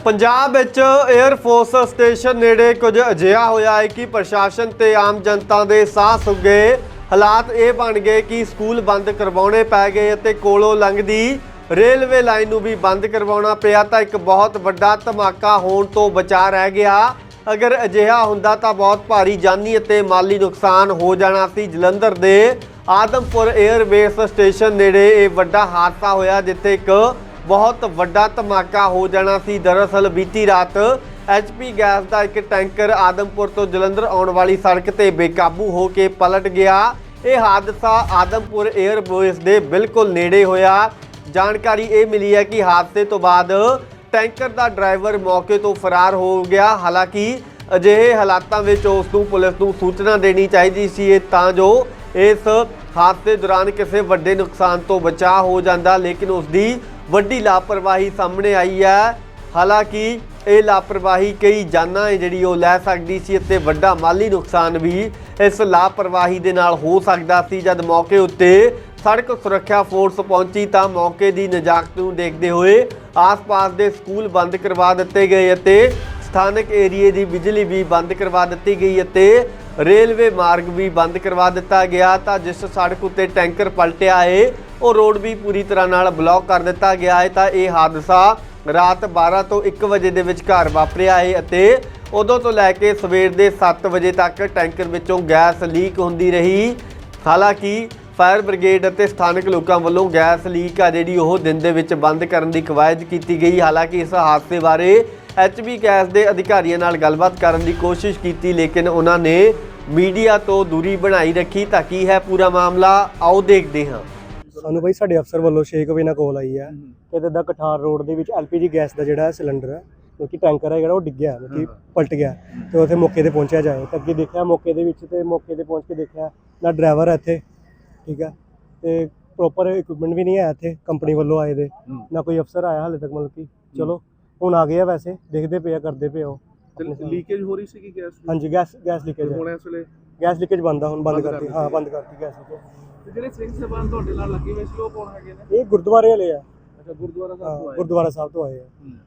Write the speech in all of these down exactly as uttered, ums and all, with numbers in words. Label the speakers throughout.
Speaker 1: पंजाब विच air force station नेड़े कुछ अजिहा होया है कि प्रशासन ते आम जनता दे साह सुक गए। हालात ये बन गए कि स्कूल बंद करवाने पै गए ते कोलों लंघदी रेलवे लाइन नूं भी बंद करवाना पिया तां एक बहुत वड्डा धमाका होण तो बचा रह गया। अगर अजिहा हुंदा तां बहुत भारी जानी ते माली नुकसान हो जाना सी। जलंधर दे आदमपुर एयरबेस स्टेशन नेड़े ये वड्डा हादसा होया जिथे एक बहुत वड्डा धमाका हो जाना सी। दरअसल बीती रात एच पी गैस का एक टैंकर आदमपुर तो जलंधर आने वाली सड़क ते बेकाबू हो के पलट गया। यह हादसा आदमपुर एयरबेस के बिल्कुल नेड़े होया। जानकारी ये मिली है कि हादसे तो बाद टैंकर का ड्राइवर मौके तो फरार हो गया। हालांकि अजिहे हालातों में उसनूं पुलिस नूं सूचना देनी चाहिए सी तां जो इस हादसे दौरान किसी वड्डे नुकसान तो बचा हो जाता, लेकिन उसकी वड्डी लापरवाही सामने आई है। हालांकि ये लापरवाही कई जानां है जिहड़ी वो लै सकदी सी ते वड्डा माली नुकसान भी इस लापरवाही दे नाल हो सकदा सी। जद मौके उत्ते सड़क सुरक्षा फोर्स पहुंची तां मौके की नजाकत नूं देखदे होए आस पास के स्कूल बंद करवा दिते गए ते स्थानक एरिए की बिजली भी बंद करवा दी गई ते रेलवे मार्ग भी बंद करवा दिता गया। तो जिस सड़क उत्ते टैंकर पलटिया है वो रोड भी पूरी तरह नाल ब्लॉक कर दिता गया है। तो यह हादसा रात बारह तो एक बजे के विचकार वापरिया है ते उदों तो लैके सवेर के सत्त बजे तक टैंकर विचों गैस लीक होंदी रही। हालांकि फायर ब्रिगेड और स्थानक लोगों वालों गैस लीक आ जिहड़ी ओह दिन दे विच बंद करने की कवायद की गई। हालांकि इस हादसे बारे एच पी गैस के अधिकारियों नाल गलबात करने की कोशिश की, लेकिन उन्होंने मीडिया तो दूरी बनाई रखी। तां की है पूरा मामला, आओ देखते हैं।
Speaker 2: सानू भाई साडे अफसर वालों छे वजे नाल कॉल आई है कि इदा कठार रोड के एल पी जी गैस का जिहड़ा सिलेंडर है क्योंकि टैंकर है जिहड़ा वो डिग्गिया क्योंकि पलट गया तो उत्थे मौके पर पहुंचा जाए। तो अगे देखा मौके दे विच ते मौके पर पहुंच के देखा ना ड्राइवर है इत्थे, ठीक है, तो प्रॉपर इक्विपमेंट भी नहीं है इत्थे कंपनी वालों आए दे, ना कोई अफसर आया हाले तक। मतलब कि चलो हुण आ गया, वैसे देखते पे करते पे हो।
Speaker 3: लीकेज हो रही सी गैस?
Speaker 2: हाँ जी, गैस गैस लीकेज
Speaker 3: होने इस वेले
Speaker 2: गैस लीकेज बंद है, हुण बंद करती। हाँ बंद करती गैस लीकेज।
Speaker 3: ਤੇ ਜਿਹੜੇ ਸਿੰਘ ਸਾਹਿਬਾਨ ਤੁਹਾਡੇ ਨਾਲ ਲੱਗੇ ਹੋਏ ਸੀ ਉਹ ਕੌਣ ਹੈਗੇ ਨੇ?
Speaker 2: ਇਹ ਗੁਰਦੁਆਰੇ ਵਾਲੇ ਆ।
Speaker 3: ਅੱਛਾ, ਗੁਰਦੁਆਰਾ ਸਾਹਿਬ ਤੋਂ ਆਏ?
Speaker 2: ਗੁਰਦੁਆਰਾ ਸਾਹਿਬ ਤੋਂ ਆਏ ਆ।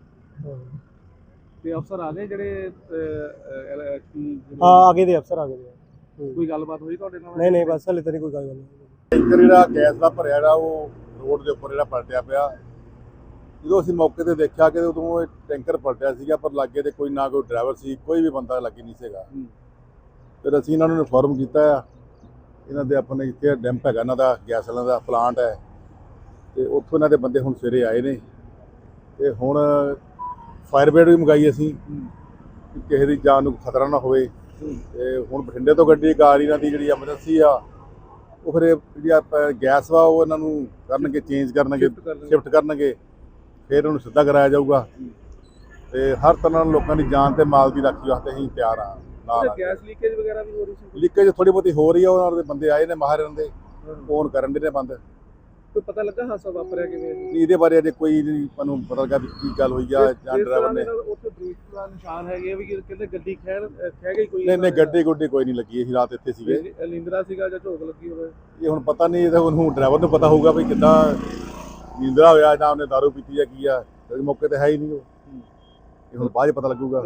Speaker 3: ਤੇ ਅਫਸਰ ਆ ਗਏ ਜਿਹੜੇ
Speaker 2: ਹਾਂ ਆ ਗਏ ਦੇ ਅਫਸਰ ਆ ਗਏ ਦੇ।
Speaker 3: ਕੋਈ ਗੱਲਬਾਤ ਹੋਈ ਤੁਹਾਡੇ ਨਾਲ?
Speaker 2: ਨਹੀਂ ਨਹੀਂ ਬਸ ਹਲੇ ਤਾਂ ਨਹੀਂ ਕੋਈ ਗੱਲ ਨਹੀਂ।
Speaker 4: ਟੈਂਕਰ ਜਿਹੜਾ ਗੈਸ ਦਾ ਭਰਿਆ ਜਿਹੜਾ ਉਹ ਰੋਡ ਦੇ ਉੱਪਰ ਜਿਹੜਾ ਪਲਟਿਆ ਪਿਆ। ਜਦੋਂ ਅਸੀਂ ਮੌਕੇ ਤੇ ਦੇਖਿਆ ਕਿ ਉਦੋਂ ਇਹ ਟੈਂਕਰ ਪਲਟਿਆ ਸੀਗਾ ਪਰ ਲਾਗੇ ਤੇ ਕੋਈ ਨਾ ਕੋਈ ਡਰਾਈਵਰ ਸੀ, ਕੋਈ ਵੀ ਬੰਦਾ ਲੱਗੇ ਨਹੀਂ ਸੀਗਾ। ਫਿਰ ਅਸੀਂ ਇਹਨਾਂ ਨੂੰ ਇਨਫੋਰਮ ਕੀਤਾ ਆ, ਇਹਨਾਂ ਦੇ ਆਪਣੇ ਇੱਥੇ ਡੈਂਪ ਹੈਗਾ ਇਹਨਾਂ ਦਾ ਗੈਸ ਵਾਲਿਆਂ ਦਾ ਪਲਾਂਟ ਹੈ ਤੇ ਉੱਥੋਂ ਇਹਨਾਂ ਦੇ ਬੰਦੇ ਹੁਣ ਸਵੇਰੇ ਆਏ ਨੇ ਤੇ ਹੁਣ ਫਾਇਰ ਬ੍ਰਿਗੇਡ ਵੀ ਮੰਗਾਈ ਅਸੀਂ ਕਿ ਕਿਸੇ ਦੀ ਜਾਨ ਨੂੰ ਖਤਰਾ ਨਾ ਹੋਵੇ। ਤੇ ਹੁਣ ਬਠਿੰਡੇ ਤੋਂ ਗੱਡੀ ਕਾਰ ਇਹਨਾਂ ਦੀ ਜਿਹੜੀ ਐਮਰਜੈਂਸੀ ਆ ਉਹ ਫਿਰ ਜਿਹੜੀ ਆਪਾਂ ਗੈਸ ਵਾ ਉਹ ਇਹਨਾਂ ਨੂੰ ਕਰਨਗੇ, ਚੇਂਜ ਕਰਨਗੇ, ਸ਼ਿਫਟ ਕਰਨਗੇ, ਫਿਰ ਉਹਨੂੰ ਸਿੱਧਾ ਕਰਾਇਆ ਜਾਊਗਾ। ਤੇ ਹਰ ਤਰ੍ਹਾਂ ਨਾਲ ਲੋਕਾਂ ਦੀ ਜਾਨ ਤੇ ਮਾਲ ਦੀ ਰਾਖੀ ਵਾਸਤੇ ਅਸੀਂ ਤਿਆਰ ਹਾਂ। ਨਾਲ
Speaker 3: ਗੈਸ ਲੀਕੇਜ ਵਗੈਰਾ ਵੀ ਹੋ ਰਹੀ ਸੀ?
Speaker 4: ਲੀਕੇਜ ਥੋੜੀ ਬਹੁਤੀ ਹੋ ਰਹੀ ਆ, ਉਹਨਾਂ ਦੇ ਬੰਦੇ ਆਏ ਨੇ ਮਾਹਰ ਦੇ ਫੋਨ ਕਰਨ ਦੇ ਨੇ ਬੰਦ।
Speaker 3: ਕੋਈ ਪਤਾ ਲੱਗਾ ਹਾਦਸਾ ਵਾਪਰਿਆ ਕਿਵੇਂ?
Speaker 4: ਇਹਦੇ ਬਾਰੇ ਅਜੇ ਕੋਈ ਨਹੀਂ ਸਾਨੂੰ ਪਤਾ ਲੱਗਾ ਵੀ ਕੀ ਗੱਲ ਹੋਈ ਆ ਜਾਂ ਡਰਾਈਵਰ ਨੇ।
Speaker 3: ਉੱਥੇ ਬ੍ਰੇਕ ਦਾ ਨਿਸ਼ਾਨ ਹੈਗੇ ਵੀ ਕਹਿੰਦੇ ਗੱਡੀ ਖੈਰ ਖਹਿ ਗਈ ਕੋਈ?
Speaker 4: ਨਹੀਂ ਨਹੀਂ ਗੱਡੀ ਗੁੱਡੀ ਕੋਈ ਨਹੀਂ ਲੱਗੀ, ਅਸੀਂ ਰਾਤ ਇੱਥੇ ਸੀਗੇ।
Speaker 3: ਨੀਂਦਰਾ ਸੀਗਾ ਜਾਂ ਝੋਕ ਲੱਗੀ ਹੋਵੇ
Speaker 4: ਇਹ ਹੁਣ ਪਤਾ ਨਹੀਂ, ਇਹ ਤਾਂ ਉਹਨੂੰ ਡਰਾਈਵਰ ਨੂੰ ਪਤਾ ਹੋਊਗਾ ਵੀ ਕਿੱਦਾਂ ਨੀਂਦਰਾ ਹੋਇਆ ਜਾਂ ਉਹਨੇ ਦਾਰੂ ਪੀਤੀ ਜਾਂ ਕੀ ਆ। ਮੌਕੇ ਤੇ ਹੈ ਹੀ ਨਹੀਂ ਉਹ, ਇਹ ਹੁਣ ਬਾਅਦ 'ਚ ਪਤਾ ਲੱਗੂਗਾ।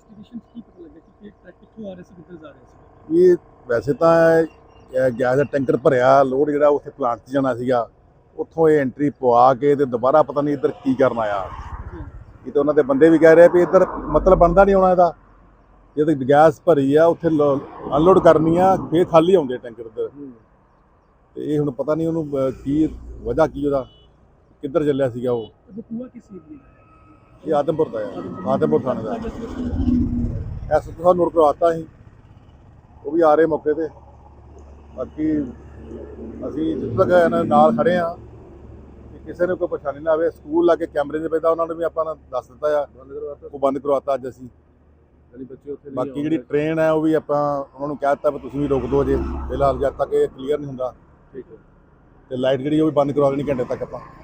Speaker 4: ਇਹ ਵੈਸੇ ਤਾਂ ਗੈਸ ਦਾ ਟੈਂਕਰ ਭਰਿਆ ਲੋਡ ਜਿਹੜਾ ਉੱਥੇ ਪਲਾਂਟ 'ਚ ਜਾਣਾ ਸੀਗਾ, ਉੱਥੋਂ ਇਹ ਐਂਟਰੀ ਪਵਾ ਕੇ ਤੇ ਦੁਬਾਰਾ ਪਤਾ ਨਹੀਂ ਇੱਧਰ ਕੀ ਕਰਨ ਆਇਆ। ਇਹ ਤਾਂ ਉਹਨਾਂ ਦੇ ਬੰਦੇ ਵੀ ਕਹਿ ਰਹੇ ਵੀ ਇੱਧਰ ਮਤਲਬ ਬਣਦਾ ਨਹੀਂ ਆਉਣਾ ਇਹਦਾ, ਜੇ ਤਾਂ ਗੈਸ ਭਰੀ ਆ ਉੱਥੇ ਅਨਲੋਡ ਕਰਨੀ ਆ ਫੇਰ ਖਾਲੀ ਆਉਂਦੇ ਟੈਂਕਰ ਇੱਧਰ। ਤੇ ਇਹ ਹੁਣ ਪਤਾ ਨਹੀਂ ਉਹਨੂੰ ਕੀ ਵਜ੍ਹਾ ਕੀ ਉਹਦਾ ਕਿੱਧਰ ਚੱਲਿਆ ਸੀਗਾ ਉਹ। ਇਹ ਆਦਮਪੁਰ ਦਾ ਹੈ, ਆਦਮਪੁਰ ਥਾਣੇ ਦਾ। ਐਸ ਤੋਂ ਨੂਰ ਕਰਵਾਤਾ ਸੀ, ਉਹ ਵੀ ਆ ਰਹੇ ਮੌਕੇ ਤੇ। ਬਾਕੀ ਅਸੀਂ ਜਿੱਥੇ ਤੱਕ ਇਹਨਾਂ ਨਾਲ ਖੜੇ ਹਾਂ ਕਿ ਕਿਸੇ ਨੂੰ ਕੋਈ ਪਰੇਸ਼ਾਨੀ ਨਾ ਆਵੇ। ਸਕੂਲ ਲਾ ਕੇ ਕੈਮਰੇ 'ਚ ਪੈਂਦਾ ਉਹਨਾਂ ਨੂੰ ਵੀ ਆਪਾਂ ਦੱਸ ਦਿੱਤਾ ਆ, ਉਹ ਬੰਦ ਕਰਵਾਤਾ ਅੱਜ ਅਸੀਂ। ਬਾਕੀ ਜਿਹੜੀ ਟ੍ਰੇਨ ਹੈ ਉਹ ਵੀ ਆਪਾਂ ਉਹਨਾਂ ਨੂੰ ਕਹਿ ਦਿੱਤਾ ਵੀ ਤੁਸੀਂ ਵੀ ਰੋਕ ਦਿਓ ਅਜੇ ਫਿਲਹਾਲ ਜਦ ਤੱਕ ਇਹ ਕਲੀਅਰ ਨਹੀਂ ਹੁੰਦਾ। ਠੀਕ ਹੈ, ਤੇ ਲਾਈਟ ਜਿਹੜੀ ਉਹ ਵੀ ਬੰਦ ਕਰਵਾ ਦੇਣੀ ਘੰਟੇ ਤੱਕ ਆਪਾਂ।